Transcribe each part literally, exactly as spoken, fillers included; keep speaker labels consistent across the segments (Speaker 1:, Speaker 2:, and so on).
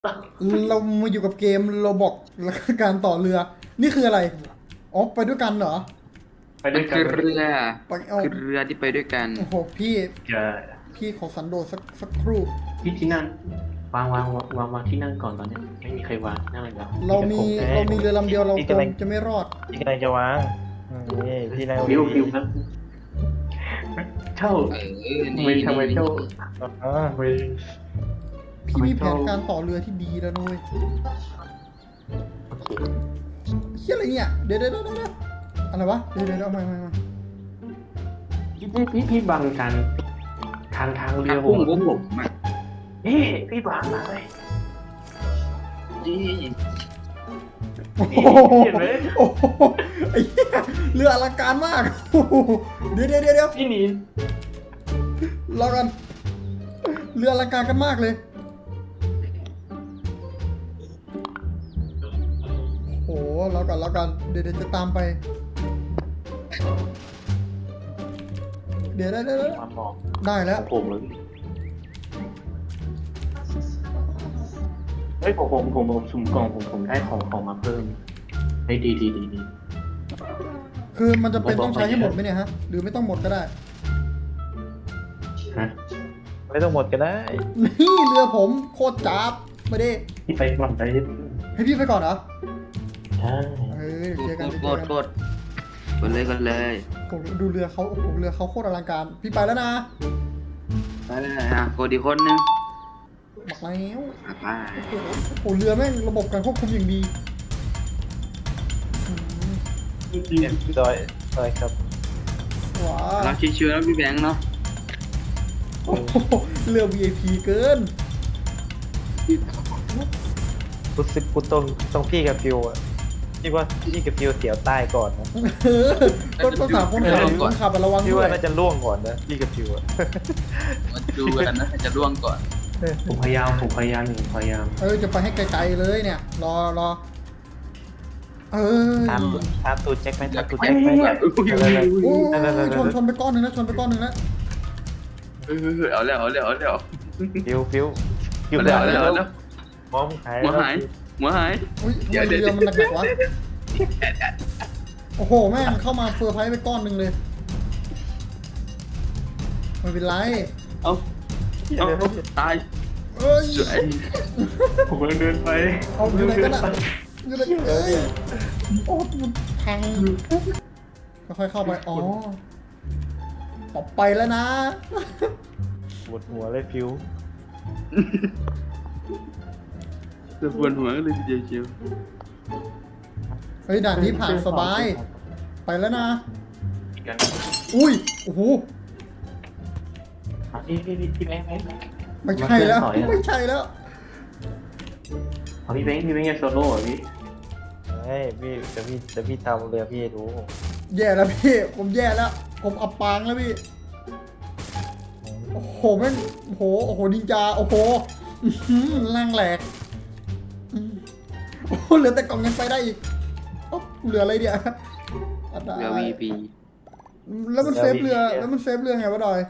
Speaker 1: เรามาอยู่กับเกมเราบอกแล้วก็การต่อเรือ นี่คืออะไรอ๋อไปด้วยกันเหรอ
Speaker 2: ไป
Speaker 3: มั
Speaker 2: ด้วน ยกัน
Speaker 3: คือเรือ
Speaker 1: ไปเอา
Speaker 3: คือเรือที่ไปด้วยกัน
Speaker 1: โอ้โหพี่
Speaker 2: จะ
Speaker 1: พี่ขอสันโดษสักสักครู่
Speaker 2: ที่ที่นั่งวางวางวางวางวางที่นั่งก่อนตอนเนี้ยไม่มีใครวางนั่งเลยครับ
Speaker 1: เรามี
Speaker 4: เอ้ย
Speaker 1: เรามีเรือลำเดียวเรา
Speaker 4: พี่
Speaker 1: ค
Speaker 4: กำลั
Speaker 1: ง
Speaker 4: ง
Speaker 1: จะไม่รอด
Speaker 4: พี่กำลังจะวางอืมนี่พี่นาย
Speaker 2: วิววิวครับเช่า
Speaker 3: เออ นี่
Speaker 2: ไม่ทำไมเช่า
Speaker 4: อ๋อ
Speaker 2: ไม่
Speaker 1: พี่มีแผนการต่อเรือที่ดีแล้วนุ้ย
Speaker 2: โอเค
Speaker 1: เฮียอะไรเนี่ยเดี๋ยวเดี๋ยวเดี๋ยวเดี๋ยวอะไรวะเดี๋ยวเดี๋ยวเดี๋ยวเอามามามา
Speaker 2: พี่พี่พี่พี่บังกันทางทางเรือผ
Speaker 3: พุ่ง
Speaker 2: ม
Speaker 3: พวกผมอ่ะ
Speaker 2: พี่พี่บังเลย
Speaker 3: นี่
Speaker 1: โอ้โห
Speaker 2: เห็นไหม
Speaker 1: โอ้โหไอ้เหี้ยเรืออลังการมากโอ้โหเดี๋ยวเดี๋ยวเดี๋ยวเดี๋ยว
Speaker 2: พี่หนี
Speaker 1: รอกันเรืออลังการกันมากเลยโอ้โหรอกันรอกันเดี๋ยวเดี๋ยวจะตามไปเดี๋ยวได้ได้ได้
Speaker 2: มาบอก
Speaker 1: ได้แล้ว
Speaker 2: ผมเลยเฮ้ยผมผมผมผมสุ่มกล่องผมผมได้ของของมาเพิ่มเฮ้ยดีดีดีดี
Speaker 1: คือมันจะเป็นต้องใช้ให้หมดไหมเนี่ยฮะหรือไม่ต้องหมดก็ได้
Speaker 2: ฮะ
Speaker 4: ไม่ต้องหมดก็ได้
Speaker 1: นี่เรือผมโคตรจับมาดิ
Speaker 2: พี่ไปก่อนไป
Speaker 1: ให้พี่ไปก่อนเหรอ
Speaker 2: ใช่
Speaker 1: เฮ้ยเจอกัน
Speaker 3: โค
Speaker 1: เจ
Speaker 3: ต
Speaker 1: อ
Speaker 3: ร
Speaker 1: กัน
Speaker 3: โคตรกดเลยกดเลย
Speaker 1: ผมดูเรือเขาโอ้โหเรือเขาโคตรอลังการพี่ไปแล้วนะ
Speaker 3: ไปเลยอ่ะกดอีกคนนึง
Speaker 1: บอกแล้ว
Speaker 3: อ่ะไป
Speaker 1: โอ้โหโอ้โหเรือแม่งระบบการควบคุมอย่างดีอืม
Speaker 4: เนี่ยซอยซอยครับ
Speaker 1: ว้า
Speaker 3: เราชิวๆแล้วพี่แบงค์เนาะ
Speaker 1: โอ้โหเรือ วี ไอ พี เกิน
Speaker 4: รู้สึกกูต้องต้องพี่กับฟิวอ่ะพี่ว่าพี่กับฟิวเสียวใต้ก่อนนะ
Speaker 1: เออต้องต้องถามคนขับคนขับอะระวัง
Speaker 4: พี่
Speaker 1: ด้ว
Speaker 4: ว่าย น่าจะล่วงก่อนนะพี่กับฟิวอ่ะ
Speaker 3: มาดูกันนะจะร่วงก่อน
Speaker 2: ผมพยายามผมพยายามผมพยายาม
Speaker 1: เออจะไปให้ไกลๆเลยเนี่ย รอรอเออ
Speaker 4: ตามตามตูดแจ็คไหมตามตูดแจ็คไหม
Speaker 1: โอ้ยชนชนไปก้อนหนึ่งนะชนไปก้อนหนึ่งแล้ว
Speaker 3: เออเอาแล้วเอาแล้วเอาแล้ว
Speaker 4: ฟิวฟิวฟิว
Speaker 3: เอาแล้วเอาแล้วเอาแล้ว
Speaker 4: มองหาย
Speaker 3: หัวหายหัวหาย
Speaker 1: อุ้ยทำไมเรือมันหนักๆวะโอ้โหแม่งเข้ามาเฟอร์ไพรส์ไปก้อนหนึ่งเลยไม่เป็นไร
Speaker 3: เอาเอาเอาตาย
Speaker 1: เอ้ย
Speaker 3: สวย
Speaker 2: ผมกำลังเดินไป
Speaker 1: เอาอยู่ไหนกันอะอยู่ไหนเอ้ยโอ้มันพังค่อยๆเข้าไปอ๋อปอบไปแล้วนะ
Speaker 4: ปวดหัวเลยฟิว
Speaker 3: จะปวดหัวกันเลยทีเดียวเชียว
Speaker 1: เฮ้ยด่านนี้ผ่านสบาย ไปแล้วนะ
Speaker 2: กัน
Speaker 1: อุ้ยโอ้โห
Speaker 2: พี่พี่พี่พี่แบงค์แบงค์
Speaker 1: ไม่ใช่แล้วไม่ใช่แล้ว
Speaker 2: เอาพี่แบงค์พี่แบงค์จะโซโล่เหรอพี่
Speaker 4: เฮ้ยพี่จะพี่จะพี่ตามเรือพี่ให้ดู
Speaker 1: แย่แล้วพี่ผมแย่แล้ว ผมอับปางแล้วพี่โอ้โหแม่งโอ้โหโอ้โหนินจาโอ้โหอื้อหือล่างแหลกอืมโอ้โหเหลือแต่กล่องยังไปได้อีกโอ้เหลืออะไรเดียวอัดได้
Speaker 3: เรือวีพี
Speaker 1: แล้วมันเซฟเรือแล้วมันเซฟเรือไงวะดอย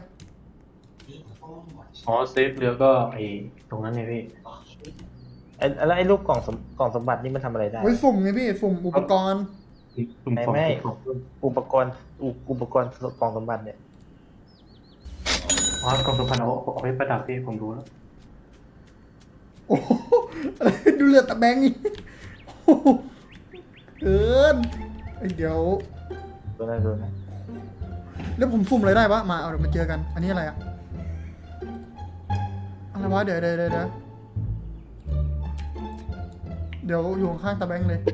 Speaker 2: อ๋อเซฟเรือก็ไอตรงนั้นไงพี่
Speaker 4: ไอ้แล้วไอ้ลูกกล่องสมกล่องสมบัตินี่มันทำอะไรได้
Speaker 1: ไว้สุ่มไงพี่สุ่มอุปกรณ์
Speaker 2: กลุ่ม
Speaker 4: ไม่
Speaker 2: ของ
Speaker 4: ไม่
Speaker 2: กลุ่มของ
Speaker 4: อุปกรณ์อุอุปกรณ์กล่องสมบัติเนี่ย
Speaker 2: อ๋อกองสุพรรณเอาเอาไว้ประดับพี่ผมรู้แล้ว
Speaker 1: โอ้โหอะไรดูเรือตะแบงนี่โอ้โหเกินไอ้เดี๋ยว
Speaker 4: ตัวนั้นตัวนั้น
Speaker 1: แล้วผมซุ่มอะไรได้วะมาเอาเดี๋ยวมาเจอกัน อันนี้อะไรอะอะไรวะเดี๋ยวเดี๋ยวเดี๋ยวเดี๋ยวเดี๋ยวอยู่ข้างๆตะแบงเลย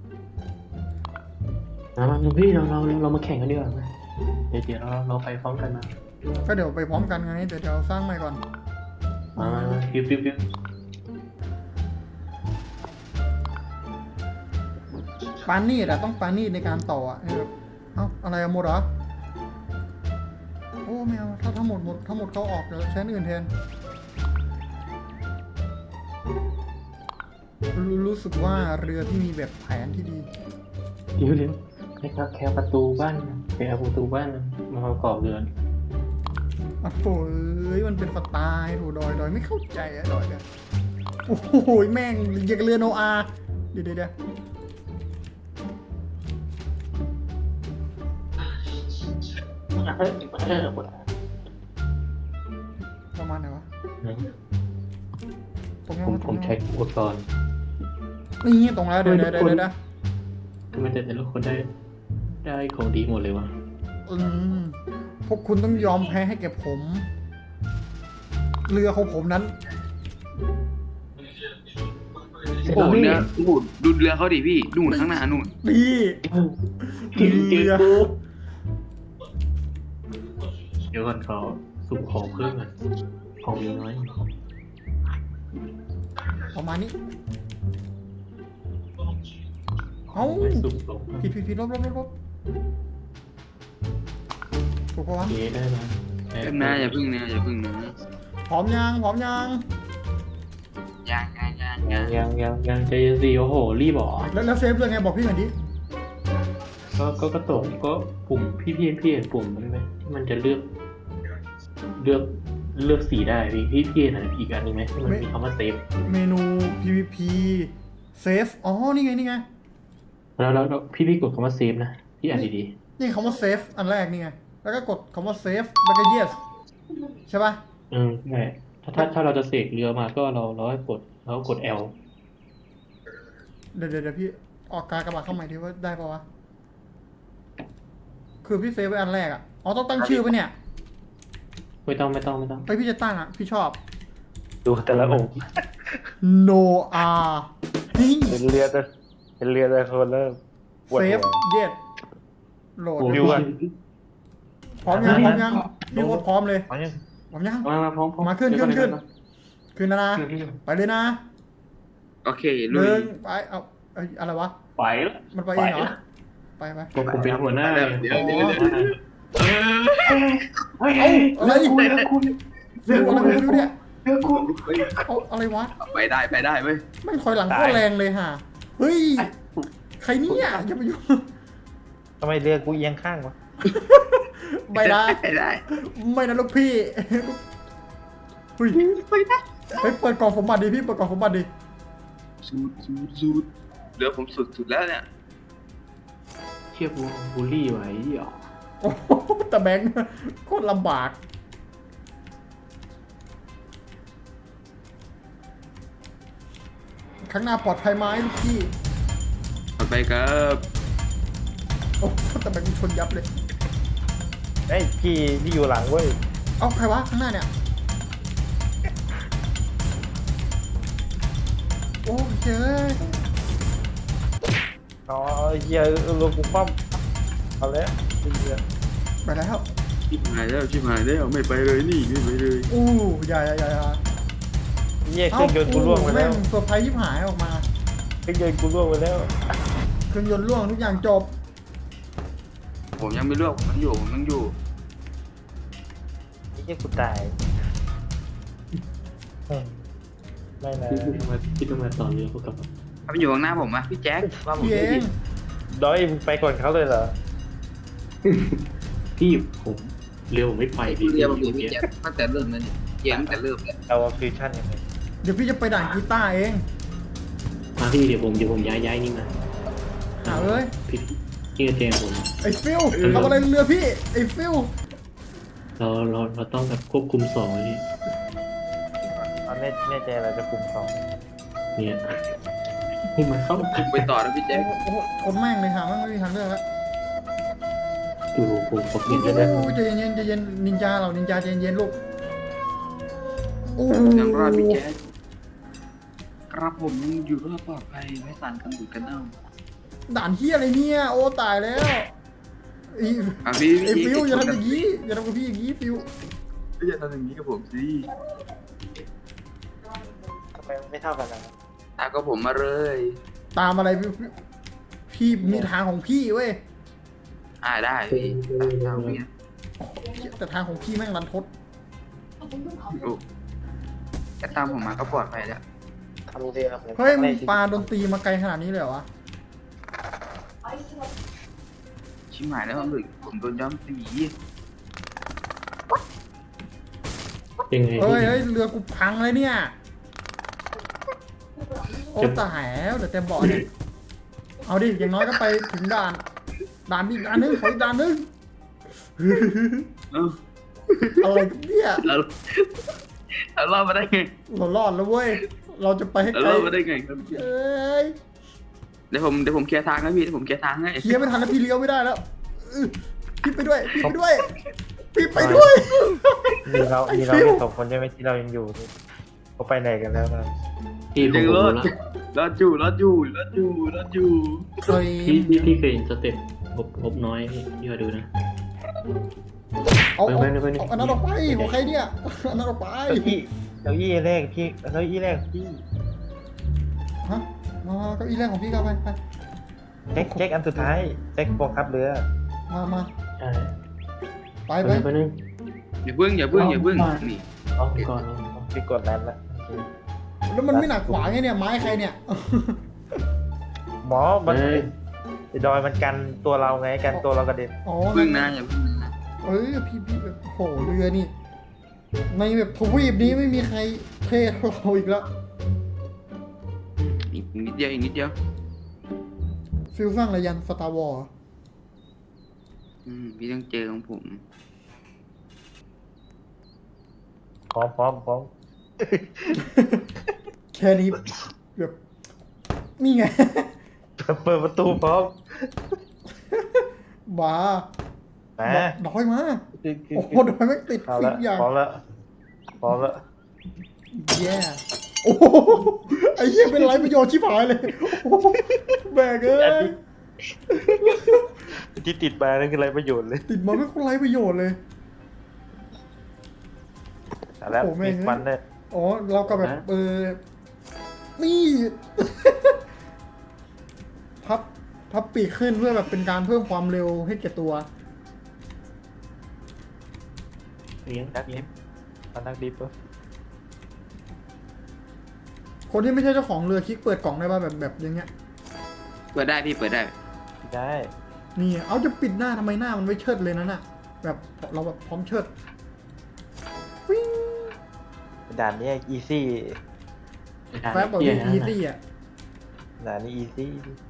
Speaker 2: มามาพี่เราเราเรามาแข่งกันดีกว่าไหมเดี๋ยวเดี๋ยวเราเราไปพร้อมกันมา
Speaker 1: ก็เดี๋ยวไปพร้อมกันไงเดี๋ยวเดี๋ยวสร้างใหม่ก่อน
Speaker 2: มามามาฟิวฟิวฟิว
Speaker 1: ปานีดอะต้องปานีดในการต่ออะแบบเอ้าอะไรอะหมดเหรอโอ้ไม่เอาถ้าทั้งหมดหมดทั้งหมดเขาออกเดี๋ยวใช้อันอื่นแทนรู้รู้สึกว่าเรือที่มีแบบแผนที่ดี
Speaker 2: เดี๋ยวเดี๋ยวให้ครับแค่ประตูบ้านแค่ประตูบ้านมาประกอบเรือน
Speaker 1: อ่ะโอ้ยมันเป็นสไตล์โถดอยดอยไม่เข้าใจอะดอยเนี่ยโอ้โหแม่งอย่างกับเรือโนอาห์เดี๋ยวเดี๋ยวเดี๋ยวประมาณไหนวะตรงนี้
Speaker 2: ผม
Speaker 1: วะต
Speaker 2: ผ
Speaker 1: รง
Speaker 2: ม
Speaker 1: นี้
Speaker 2: ใช้
Speaker 1: วะ
Speaker 2: อุปกรณ์
Speaker 1: นี่ตรงแล้วเดี๋ยวเดี๋ยวเดี๋ยวเดี๋ยว
Speaker 2: ทำไมแต่แต่ละคนได้ได้ของดีหมดเลยวะ
Speaker 1: อืมพวกคุณต้องยอมแพ้ให้แก่ผม เรือของผมนั้น
Speaker 3: โอ้โหเนี่ยโอ้โหดูเรือเขาดิพี่นู่นข้างหน้านู่น
Speaker 1: ดี
Speaker 2: เจอเจอ
Speaker 1: เรือ
Speaker 2: กูเดี๋ยวก่อนเขาสุ่มของเพิ่มอ่ะของมีน้อย
Speaker 1: ประมาณนี้ เอ้า
Speaker 2: ไม่สุ่มของ
Speaker 1: ผิดผิดผิดลบลบลบลบถูกปะวะ
Speaker 2: เจ๊ได้ไหม
Speaker 3: เพิ่งนะอย่าพึ่งนะอย่าพึ่งนะ
Speaker 1: พร้อมยังพร้อมยัง
Speaker 3: ยังยังยัง
Speaker 2: ยั
Speaker 3: ยัง ง
Speaker 2: ยังยังยังใจเย็นสิโอ้โหรีบเหรอ
Speaker 1: แล้วแล้วเซฟเรื่องไงบอกพี่หน่อยดิ
Speaker 2: ก็ก็กระตกก็ปุ่มพี่พี่พี่เห็นปุ่มมันไหมที่มันจะเลือก เลือกเลือกสีได้พี่พี่พี่เห็นอะไรอีกอันหนึงไหมที่มันมีคำว่าเซฟ
Speaker 1: เมนู พี วี พี เซฟ อ๋อ นี่ไง นี่ไง
Speaker 2: แล้วแล้วแล้วพี่พี่กดคำว่าเซฟนะพี่อ่านดี
Speaker 1: นี่คำว่าเซฟอันแรกนี่ไง แล้วก็กดคำว่าเซฟแล้วก็ yes ใช่ปะ
Speaker 2: ๆอืมใช่ถ้าถ้าถ้าเราจะเสกเรือมาก็เราเราให้กดเรากด L
Speaker 1: เดี๋ยวเดี๋ยวเดี๋ยวพี่ออกการกระบาดเข้าใหม่ทีว่าได้ปะวะ คือพี่เซฟไว้อันแรกอ่ะ อ๋อ ต้องตั้งชื่อปะเนี่ย
Speaker 2: ไม่ต้องไม่ต้องไม่ต้อง
Speaker 1: ไปพี่จะตั้งอ่ะ พี่ชอบ
Speaker 4: ดูแต่ละองค์
Speaker 1: no r นี่
Speaker 4: เป็นเรือแต่เป็นเรือแต่คนเริ่มปวด
Speaker 1: เซ
Speaker 4: หั
Speaker 1: ฟ
Speaker 4: ว
Speaker 1: yes โหลด
Speaker 2: โอ้
Speaker 4: วิวอะ
Speaker 1: พร้อมยังพร้อมยังพี่โคตรพร้อมเลย
Speaker 4: เอาเนี่ย
Speaker 1: พร้อมยัง
Speaker 2: มามาพร้อมพร้อม
Speaker 1: มาขึ้นขึ้นขึ้น ขึ้นนะนะ
Speaker 2: ขึ้นขึ้น
Speaker 1: ไปเลยนะ
Speaker 3: โอเค
Speaker 1: ห
Speaker 3: ลุย
Speaker 1: นึ่งไป เอาเอ้ยอะไรวะ
Speaker 2: ไปแล้ว
Speaker 1: มันไปเองเหรอ ไปไป
Speaker 2: ผมผมเป็นหัวหน้า
Speaker 3: เดี๋ยวเดี๋ยวเดี๋ยวเดี๋ยวเออ
Speaker 2: เฮ้ย
Speaker 1: เอาอะไร
Speaker 2: เรือคุณเรือคุณ
Speaker 1: ฟิวอะไรของฟิวเนี่ย
Speaker 2: เรือคุณ
Speaker 3: เฮ้ย
Speaker 1: เอาอะไรวะ
Speaker 3: ไปได้ไปได้เว้ย
Speaker 1: แม่งถอยหลังโคตรแรงเลยฮะ เฮ้ย ใครเนี่ยอย่าไปยุ่ง
Speaker 4: ทำไมเรือกูเอียงข้างวะ
Speaker 1: ไม่ได้
Speaker 3: ไปได้
Speaker 1: ไม่นะลูกพี่เฮ้ย
Speaker 3: ไปได้
Speaker 1: เฮ้ยเปิดกล่องสมบัติดิพี่ เปิดกล่องสมบัติดิ
Speaker 3: สูดสูดสูดเรือผมสุดสุดแล้วเนี่ย
Speaker 2: เชี่ยบูบูลลี่ไว้เหรอ
Speaker 1: โอ้โหแต่แบงค์โคตรลำบาก ข้างหน้าปลอดภัยไหมลูกพี่
Speaker 3: ไปครับ
Speaker 1: โอ้โหแต่แบงค์ชนยับเลย
Speaker 4: เฮ้ยพี่พี่อยู่หลังเว้ย
Speaker 1: เอาใครวะข้างหน้าเนี่ย โอ้เจ้ย
Speaker 4: อ๋อเฮียเรือกูคว่ำเอาแล้วเรือ
Speaker 1: ไปแล้ว
Speaker 3: ชิบหายแล้วชิบหายแล้วไม่ไปเลยนี่ไม่ไปเลย
Speaker 1: อู้อย่าอย่าอย่าอย่า
Speaker 4: เฮียเครื่องยนต์กูล่วงไปแล้ว
Speaker 1: ม่งเซอร์ไพรส์ยิบหายออกมา
Speaker 4: เครื่องยนต์กูล่วงไปแล้ว
Speaker 1: เครื่องยนต์ล่วงทุกอย่างจบ
Speaker 3: ผมยังไม่เลือกผมยังอยู่ผมยังอยู่
Speaker 4: เฮียกูตายอืมไม่นะ
Speaker 2: พี่ต้องมาพี่ต้องมาต่อเรือพวกกับ
Speaker 3: ถ้ามันอยู่ข้างหน้าผมอะพี่แจ็คว่าผม
Speaker 1: พี่เอ
Speaker 3: ไม่ผิ
Speaker 1: ง
Speaker 3: ด
Speaker 4: ดอยมึงไปก่อนเขาเลยเหรอ
Speaker 2: พี่ผมเรือผมไม่ไปพี่
Speaker 3: เรือผมอยู่พี่แจ็คตั้งแต่เริ่มแล้วเนี่ยเกมตั้งแต่เริ่มเลย
Speaker 4: เอาฟิวชั่นยังไง
Speaker 1: เดี๋ยวพี่จะไปด่านกีตาร์เอง
Speaker 2: มาพี่เดี๋ยวผมเดี๋ยวผมย้ายย้ายนี่มา
Speaker 1: หาเอ้ย
Speaker 2: พี่พี่กระเจมผม
Speaker 1: ไอ้ฟิลทำอะไรเรือพี่ ไอ้ฟิล
Speaker 2: เราเราเราต้องแบบควบคุมสองนี่
Speaker 4: เอาแน่แน่ใจเราจะคุมสอง
Speaker 2: เนี่ยให้มันเข้า
Speaker 3: ผมไปต่อแล้วพี่แจ็ค
Speaker 1: โอ้โหคนแม่งเลยหาแม่งไม่มีทางเลือกแล้ว
Speaker 2: ดูผมผม
Speaker 1: โอ้
Speaker 2: เห็นแล้วนะ
Speaker 1: โหใจเย็นๆใจเย็นนินจาเรานินจาใจเย็นๆลูกโอ้โห
Speaker 3: ยังรอดพี่แจ็คครับผมยังอยู่รอดปลอดภัยไม่สั่นกันดุดกันเน่า
Speaker 1: ด่านเฮียอะไรเนี่ย โอ้ตายแล้วไอ้
Speaker 3: อ่ะพี่
Speaker 1: ไอ้
Speaker 3: พี่
Speaker 1: ฟิลอย่าทำอย่างนี้อย่าทำกับพี่อย่างนี้ฟิล
Speaker 3: พี่อย่าทำอย่างนี้กับผมสิ
Speaker 4: ทำไมมันไม่เท่ากันนะ
Speaker 3: ตามกับผมมาเลย
Speaker 1: ตามอะไรพี่พี่มีทางของพี่เว้ย
Speaker 3: อ่าได้พี่ตามทางพี่นะ
Speaker 1: แต่ทางของพี่แม่งรันทด
Speaker 3: โอ้แค่ตามผมมาก็ปลอดภัยแล้ว
Speaker 4: ทำเรือหมือน
Speaker 1: เฮ้ยมึง
Speaker 4: ใน
Speaker 1: ปาดนตรีมาไกลขนาดนี้เลยเหรอวะ
Speaker 3: ชิบหายแล้วผมผมโดนย้อมสี
Speaker 2: ยังไง
Speaker 1: เฮ้ยเฮ้ยเรือกูพังเลยเนี่ยโอ้ตายแล้วเดี๋ยวเต็มเบาะเนี่ยเอาดิอย่างน้อยก็ไปถึงด่านด่านอีกด่านนึงขออีกด่านนึง
Speaker 3: เอ้า
Speaker 1: อะไรกันเนี่ย
Speaker 3: เราเรารอดมาได้ไง
Speaker 1: เรารอดแล้วเว้ยเราจะไปให้
Speaker 3: เรา
Speaker 1: ไกล
Speaker 3: รอดมาได้ไงครับ
Speaker 1: เอ้ย
Speaker 3: เดี๋ยวผมเดี๋ยวผมเคลียร์ทางนะพี่เดี๋ยวผมเคลียร์ทางให้
Speaker 1: เคลียร์ไม่ทันแล้วพี่เลี้ยวไม่ได้แล้วอื้อพี่ไปด้วยพี่ไปด้วยพี่ไปด้วย
Speaker 4: มีเรา
Speaker 1: ไอ้
Speaker 4: มีเรา
Speaker 1: ฟิว
Speaker 4: แค่สองคนใช่ไหมที่เรายังอยู่นี่เขาไปไหนกันแล้วนะ
Speaker 2: พี่ผม
Speaker 3: ยัง
Speaker 2: รู้
Speaker 3: รอด
Speaker 2: แล้ว
Speaker 3: รอดอยู่รอดอยู่รอดอยู่รอดอยู่
Speaker 1: เฮ้ย
Speaker 2: พี่พี่พี่เคยเห็นสเต็ปงบงบน้อยพี่พี่มาดูนะ
Speaker 1: เอาเอา
Speaker 2: ไปไปไป
Speaker 1: เอาอันนั้นออกไปของใครเนี่ยอันนั้นออกไป
Speaker 4: เก้าอี้เก้าอี้แรกพี่เก้าอี้แรกพี่
Speaker 1: ฮะมาเก้าอี้แรกของพี่ก็ไปไป
Speaker 4: แจ็คแจ็คอันสุดท้ายแจ็คบังคับเรือ
Speaker 1: มามา
Speaker 2: ใช่
Speaker 1: ไป
Speaker 2: ไป
Speaker 1: ไป
Speaker 2: ไปนึง
Speaker 3: อย่าเพิ่งอย่าเพิ่งอย่าเพิ่งนี่
Speaker 2: เอาไปก่อนเอาไปก่อน
Speaker 4: พี่กดนั้นละโอเค
Speaker 1: แล้วมันไม่หนักขวาไงเนี่ยไม้ใครเนี่ย
Speaker 4: หมอมัน
Speaker 2: เฮ้ย
Speaker 4: ไอ้ดอยมันกันตัวเราไงกันตัวเรากระเด็น
Speaker 1: อ๋อ
Speaker 3: เพิ่งนะอย่าเพิ่งนะ
Speaker 1: เอ้ยพี่พี่แบบโหเรือนี่ในแบบทวีปนี้ไม่มีใครเท่เท่าเราอีกแล้ว
Speaker 3: อีกนิดเดียวอีกนิดเดียว
Speaker 1: ฟิลสร้างระยันสตาร์วอร์
Speaker 3: อืมพี่ต้องเจอของผม
Speaker 4: พร้อมพร้อมพร้อม
Speaker 1: แค่นี้แบบนี่ไง
Speaker 4: เปิดประตูพร้อม
Speaker 1: บ้า
Speaker 4: มา
Speaker 1: ดอยมาโอ้โหดอยไม่ติด
Speaker 4: เอา
Speaker 1: ฟิ
Speaker 4: ละ
Speaker 1: กอย่าง
Speaker 4: พร้อมละพร้อมละ
Speaker 1: แย่โอ้โหไอ้เหี้ยเป็นไรประโยชน์ชิบหายเลยโอ้โหแบกเอ้ย
Speaker 4: ที่ติดมานั่นคืออะไรประโยชน์เลย
Speaker 1: ติดมาไม่คนไรประโยชน์เลย
Speaker 4: เอาแล้ว
Speaker 1: โอ้แม่
Speaker 4: มี
Speaker 1: ง
Speaker 4: ควันเลย
Speaker 1: อ๋อเราก็แบบเออนี่ พับพับปีกขึ้นเพื่อแบบเป็นการเพิ่มความเร็วให้แก่ตัว
Speaker 2: เลี้ยง
Speaker 4: นัก
Speaker 2: เลี้
Speaker 4: ดิ
Speaker 2: ยง
Speaker 4: ฟมานักดิฟปะ
Speaker 1: คนที่ไม่ใช่เจ้าของเรือคลิกเปิดกล่องได้ป่ะแบบแบบอย่างเงี้ย
Speaker 3: เปิดได้พี่เปิดได้
Speaker 4: ได้
Speaker 1: นี่เอาจะปิดหน้าทำไมหน้ามันไม่เชิดเลยนั่นน่ะ แบบเราแบบพร้อมเชิดวิ่ง
Speaker 4: ด่านนี้อีซี่
Speaker 1: แฟบแบบ
Speaker 2: เลี้ยง
Speaker 1: อีซี่อ่ะ
Speaker 4: ด่านนี้อีซี่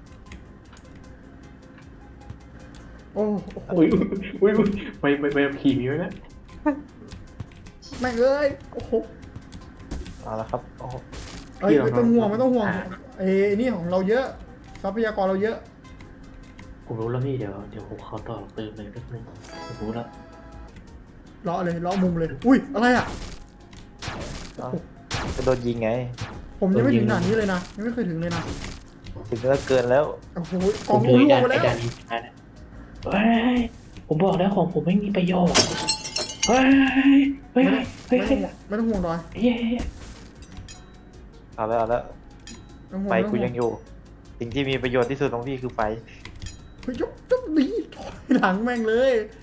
Speaker 1: โอ้โห
Speaker 2: อุ้ยอุ้ยอุ้ยไปไปไปขี่มีไว้นะ
Speaker 1: แม่งเอ้ยโอ้โห
Speaker 4: เอาละครับโอ้โห
Speaker 1: เอ้ยไม่ต้องห่วงไม่ต้องห่วงเอ้ยนี่ของเราเยอะทรัพยากรเราเยอะ
Speaker 2: ผมรู้แล้วพี่เดี๋ยวเดี๋ยวผมขอต่อเติมเลยแป๊บนึงผมรู้แล้ว
Speaker 1: เลาะเลยเลาะมุมเลย อุ้ยอะไรอ่ะ
Speaker 4: เอาจะโดนยิงไง
Speaker 1: ผมยังไม่ถึงด่านนี้เลยนะยังไม่เคยถึงเลยนะ
Speaker 4: ถึงแล้วเกินแล้ว
Speaker 1: โอ้โหก
Speaker 2: ผ
Speaker 1: ล่อง
Speaker 2: ม
Speaker 1: รู
Speaker 2: เลย
Speaker 1: รั่ว
Speaker 2: ด่าน
Speaker 1: ไป
Speaker 2: ไอ้
Speaker 1: แล้ว
Speaker 2: ด่านนี้ด่านนี้เฮ้ยผมบอกแล้วของผมไม่มีประโยชน์เฮ้ยเฮ้ยเฮ้ย
Speaker 1: ไม่
Speaker 2: เฮ้
Speaker 1: ต้อย งไม่ต้องห่วงดอย
Speaker 2: เฮ้ย
Speaker 4: เอาแล้วเอาแล้ว
Speaker 1: ไม่ต้องห่วง
Speaker 4: ไฟ
Speaker 1: ไม่ต้อง
Speaker 4: กู
Speaker 1: ห่ว
Speaker 4: ยังอยู่ สิ่งที่มีประโยชน์ที่สุดของพี่คือไฟ
Speaker 1: เฮ้ยยกยกดีถอยหลังแม่งเลย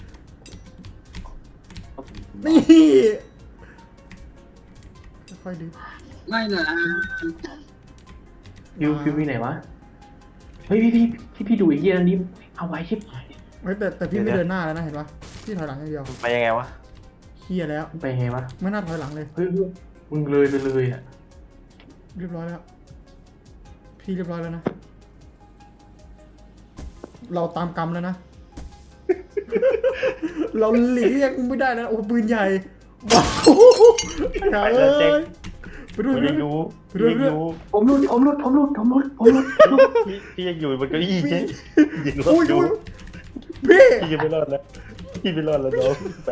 Speaker 1: นี่ค่อยๆดี
Speaker 3: ไม่นะ
Speaker 2: วิววิวมีไหนวะเฮ้ยพี่พี่พี่พี่ดูไอ้เหี้ยอันนี้เอาไว้ชิบหาย
Speaker 1: เฮ้ยแต่แต่พี่ไม่เดินหน้าแล้วนะเห็นปะพี่ถอยหลังอย่างเดียว
Speaker 4: ไปยังไงวะ
Speaker 1: เฮียแล้ว
Speaker 2: ไปไงวะ
Speaker 1: ไม่น่าถอยหลังเลย
Speaker 2: เฮ้ยมึงเลยไปเลยอ่ะ
Speaker 1: เรียบร้อยแล้ว พี่เรียบร้อยแล้วนะ เราตามกรรมแล้วนะ เราหลีกเลี่ยงไม่ได้แล้วโอ้ปืนใหญ่ว้าวอย่า
Speaker 4: ไป
Speaker 1: เล
Speaker 4: แล้วเจ๊
Speaker 1: ย
Speaker 4: ง
Speaker 1: ไปดู
Speaker 4: พี่
Speaker 1: ไป
Speaker 4: ยังอ
Speaker 1: ดู
Speaker 4: ยู่
Speaker 1: ไปดู
Speaker 4: พี่ยังอยู่
Speaker 2: ผมรุดผมรุดผมรุดผมรุดผมรุดผมรุด
Speaker 4: พี่พี่ยังอยู่บนเก้าอี้เจ๊ยังรอ
Speaker 1: อุ้ย
Speaker 4: ดอยู่
Speaker 1: อุ้ยพี่
Speaker 4: พี่ยังไม่รอดแล้วพี่ไม่รอดแล้วน้องไป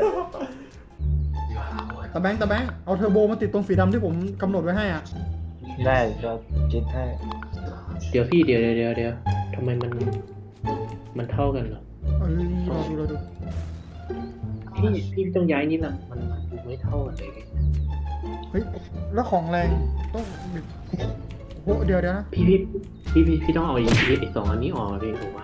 Speaker 1: ตะแบงค์ตะแบงค์เอาเทอร์โบมาติดตรงสีดำที่ผมกำหนดไว้ให้อ่ะ
Speaker 4: ได้ก็จิตให้
Speaker 2: เดี๋ยวพี่เดี๋ยวเดี๋ยวเดี๋ยวเดี๋ยวทำไมมันมันเท่ากันเหรอ
Speaker 1: เอ้ยรอดูรอดู
Speaker 2: พี่พี่ต้องย้ายนี่นะมันดูไม่เท่ากันเลย
Speaker 1: เฮ้ยแล้วของแรงต้องโอ้โหเดี๋ยวเดี๋ยวนะ
Speaker 2: พี่พี่พี่พี่พี่ต้องเอาไอ้ไอ้สองอันนี้ออกมาพี่ผมว่า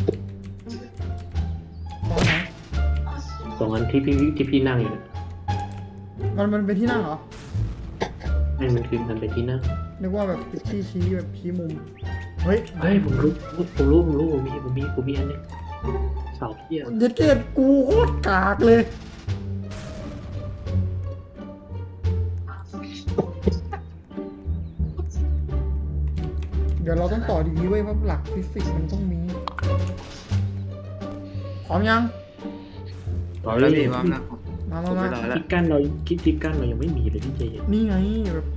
Speaker 1: ตอนไหน
Speaker 2: สองอันที่พี่ที่พี่นั่งอยู่เนี่ย
Speaker 1: มันมันเป็นที่นั่งเหรอ
Speaker 2: นั่นมันคือมันเป็นที่นั่ง
Speaker 1: นึกว่าแบบชี้ชี้แบบชี้มุม เฮ้ย
Speaker 2: เฮ้ยผมรู้ผมรู้ผมรู้ผมมีผมมีผมมีอันนึงเสาเทียม
Speaker 1: เย็ดเกตกูโคตรกากเลยเดี๋ยวเราต้องต่อดีๆเว้ยเพราะหลักฟิสิกส์มันต้องมีพร้อมยัง
Speaker 3: พร้อมแล้วพี่พร้อมแล้ว
Speaker 1: มา
Speaker 3: ผม
Speaker 1: มา
Speaker 3: ไม่
Speaker 1: มา
Speaker 3: รอแล้ว
Speaker 2: ที่กั้นเราคิดที่กั้นเรายังไม่มีเลยพี่เจเย็น
Speaker 1: นี่ไงแบบ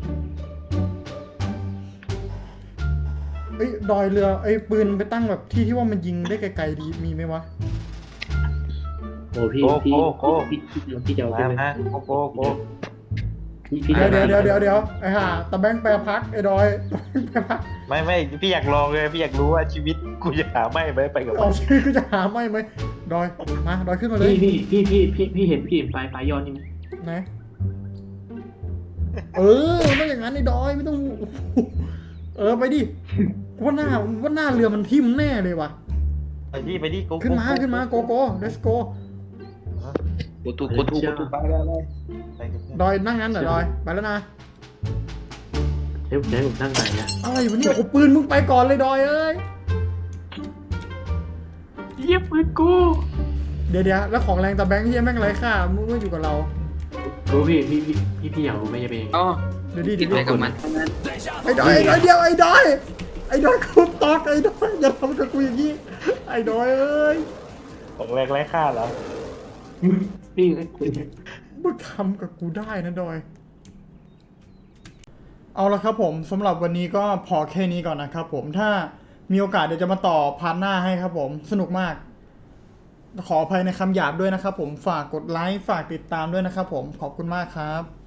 Speaker 1: เอ้ยดอยเรือไอ้ยปืนไปตั้งแบบที่ที่ว่ามันยิงได้ไกลๆดีมีไหมวะ
Speaker 2: โอ้พี่พี่พี่พี่พี่จะเอา
Speaker 4: มา
Speaker 2: ใช่ไหม
Speaker 4: ฮะโกโกโก
Speaker 2: พี่พี่
Speaker 1: เดี๋ยว
Speaker 2: จะ
Speaker 1: เดี๋ยวเดี๋ยวเดี๋ยวเดี๋ยวไอ้ห่าตะแบงค์แปรพักไอ้ดอยตะแบงค์แปรพัก
Speaker 4: ไม่ไม่พี่อยากลองเลยพี่อยากรู้ว่าชีวิตกูจะหาไม่ไหมไปกับมั
Speaker 1: เอา
Speaker 4: น
Speaker 1: ชื่อก็จะหาไม่ไหมดอยมาดอยขึ้นมาเลย
Speaker 2: พี่พี่พี่พี่พี่พี่เห็นพี่เห็นปลายปลายยอดนี่ไหม
Speaker 1: ไหนเออไม่อย่างนั้นไอ้ดอยไม่ต้อง เออไปดิว่าหน้าว่าหน้าเรือมันทิ่มแน่เลยว่ะ
Speaker 4: ไปดิไปดิโกโก
Speaker 1: ขึ้นมาขึ้นมาโกโก้ let's go
Speaker 3: กูถูกกูถูกกูถูกไปแล้วเลย
Speaker 4: ไปกับเพื่อน
Speaker 1: ดอยนั่งงั้นเหรอดอยไปแล้วนะ
Speaker 2: เฮ้ยผมจะให้ผมนั่งไหนอะ
Speaker 1: อะไรวะเนี่ยโอ้ปืนมึงไปก่อนเลยดอยเอ้ย
Speaker 2: เยี่ยปืนกู
Speaker 1: เดี๋ยวเดี๋ยวแล้วของแรงตะแบงค์ที่แม่งไร้ค่ามึงไม่อยู่กับเรา
Speaker 2: รู้พี่พี่พี่พี่พี่อยากรู้ไหมจะเป็นยังไง
Speaker 3: อ๋อ
Speaker 1: เดี๋ยวดิ
Speaker 3: คิ
Speaker 1: เดี๋
Speaker 3: ด
Speaker 1: ยว
Speaker 3: อะไร
Speaker 1: ดิ
Speaker 3: กับมัน
Speaker 1: ไอ้ดอยไอ้ดอยเดียวไอ้ดอยไอ้ดอยกูตอกไอ้ดอยอย่าทำกับกูอย่างนี้ไอ้ดอยเอ้ย
Speaker 4: ของแรกไร้ค่าเหรอ
Speaker 2: พี่
Speaker 1: มึงทำกับกูได้นะดอย เอาละครับผมสำหรับวันนี้ก็พอแค่นี้ก่อนนะครับผมถ้ามีโอกาสเดี๋ยวจะมาต่อพาร์ทหน้าให้ครับผมสนุกมาก ขออภัยในคำหยาบด้วยนะครับผมฝากกดไลค์ฝากติดตามด้วยนะครับผมขอบคุณมากครับ